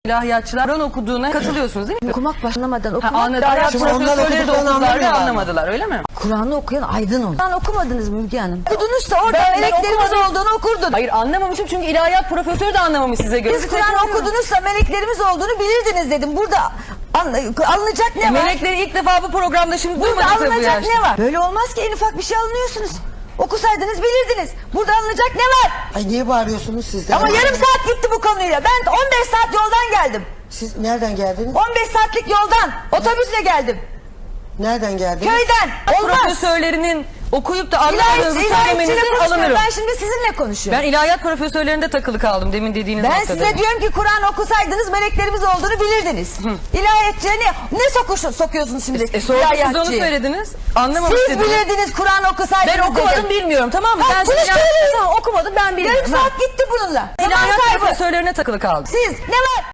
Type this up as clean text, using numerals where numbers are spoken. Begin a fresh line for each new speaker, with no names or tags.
İlahiyatçılar Kur'an okuduğuna katılıyorsunuz değil mi?
Okumak başlamadan okumak.
Ilahiyat
Şimdi onlar
profesörleri de
okuduklarını
okudular ve
anlamıyorlar.
anlamadılar öyle mi?
Kur'an'ı okuyan aydın olur. Kur'an okumadınız mı Müge Hanım? Okudunuzsa orada
Ben
meleklerimiz
okumadım.
olduğunu okurdun.
Hayır anlamamışım çünkü ilahiyat profesörü de anlamamış size göre.
Siz Kur'an okudunuzsa meleklerimiz olduğunu bilirdiniz dedim. Burada alınacak ne var?
Melekleri ilk defa bu programda şimdi
Burada
duymadık tabii bu
alınacak
yaşta.
ne var? Böyle olmaz ki en ufak bir şey alınıyorsunuz. Okusaydınız bilirdiniz. Burada alınacak ne var?
Ay niye bağırıyorsunuz siz de?
Ama yarım saat gitti bu konuyla. Ben 15 saat yoldan geldim.
Siz nereden geldiniz?
15 saatlik yoldan. Otobüsle geldim.
Nereden geldiniz?
Köyden. Olmaz.
Profesörlerinin okuyup da anlamadığınızı
İlahiyatçıyla
söylemenizin
konuşmuyorum.
alınırım.
Ben şimdi sizinle konuşuyorum.
Ben ilahiyat profesörlerinde takılı kaldım demin dediğiniz
Ben
noktada.
size diyorum ki Kur'an okusaydınız meleklerimiz olduğunu bilirdiniz. İlahiyatçıya ne sokuyorsunuz şimdi?
Sonra siz onu
İlahiyatçıyı?
söylediniz. Anlamamış
Siz
dediniz.
bilirdiniz Kur'an okusaydınız
Ben okumadım
dedim.
bilmiyorum tamam mı?
Ha,
Ben
bunu
şimdi
söyleyin.
Tamam, okumadım ben bilmiyorum.
Yarım saat gitti bununla.
İlahiyat
Zaman kaybı.
profesörlerine takılı kaldım.
Siz ne var?